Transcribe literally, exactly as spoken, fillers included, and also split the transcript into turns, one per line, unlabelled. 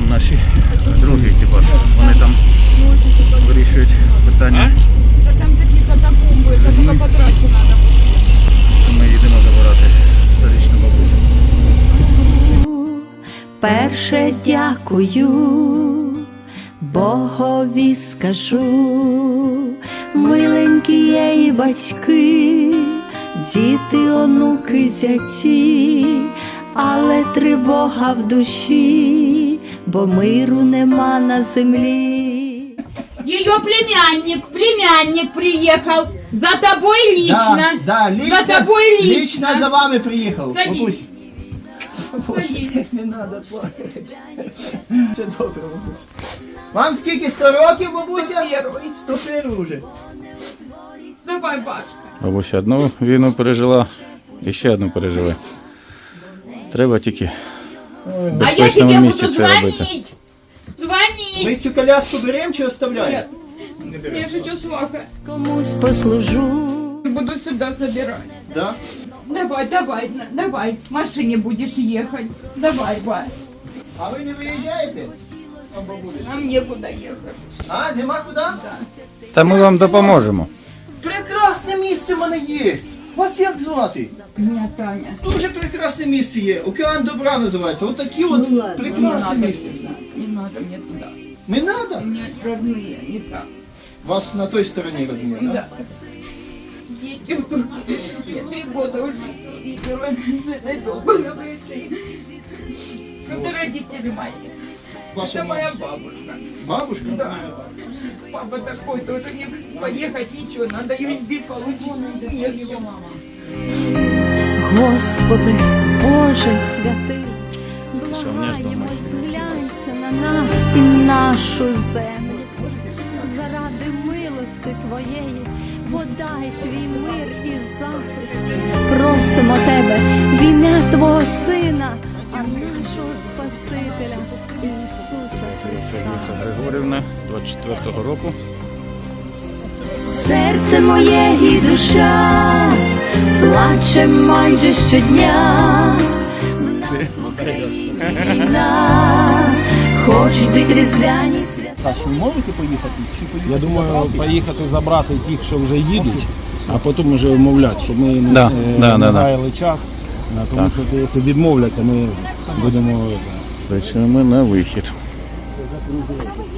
наші другий екіпаж. Вони там вирішують питання.
Та там такі катакомби, це тільки по трасі треба.
Ми їдемо забирати сторічну бабусю.
Перше дякую, Богові скажу, миленькі є і батьки, діти, онуки, зяті, але тривога в душі, бо миру нема на землі.
Ее племянник, племянник приехал. За тобой лично.
Да, да, лично,
За тобой лично.
лично за вами приїхав.
Садись.
Бабусь.
Садись.
Не треба плакати. Все добре, бабусь. Вам скільки, сто років, бабуся?
Первый.
сто один уже.
Давай, Башка.
Бабуся одну війну пережила і ще одну переживе. Треба тільки в
А я
безпечному
тебе
місці
буду
це робити.
звонить. Звонить.
Ми цю коляску беремо чи оставляємо?
Нет,
Не
я
беремо.
хочу сваха.
Комусь послужу.
Буду сюда забирать.
Да?
Давай, давай, на- давай. В машине будешь ехать. Давай, Ба.
А ви не виїжджаєте? Там бабуля.
Нам некуда ехать.
А, нема куди?
Та ми вам допоможемо.
Прекрасне місце в мене є. Вас як звати?
Меня Таня.
Дуже прекрасне місце є. Океан добра називається. Отакі от
Не
прекрасне
надо,
місце.
не надо мне туда.
Не треба?
У меня родные, не так.
Вас на той стороні родні, да?
Да. Дети, я три года уже видела дома на вышли. Это родители мои.
Ваша
Это моя
мама.
бабушка.
Бабушка?
Да. Папа такой тоже не поехать, ничего, надо ю эс би получить. Нет, его мама.
Господи, Боже святий,
Що, мені ж
благаємо,
дома ще
зглянься на нас і нашу землю. Заради милости Твоєї, подай Твій мир і захист. Просимо Тебе в ім'я Твого Сина, а нашого Спасителя Ісуса Христа.
Григорівна, двадцять четвертого року.
Серце моє і душа плаче майже щодня. В нас в Україні війна, хоч йдуть різдвяні свята.
А що, ви можете поїхати? Чи поїхати
Я думаю,
забрати?
поїхати забрати тих, що вже їдуть, а потім вже вмовляти, щоб ми не,
Да,
е,
да,
не
да, да.
гаяли час. А, тому що якщо відмовляться, ми будемо. е,
Причому ми на вихід.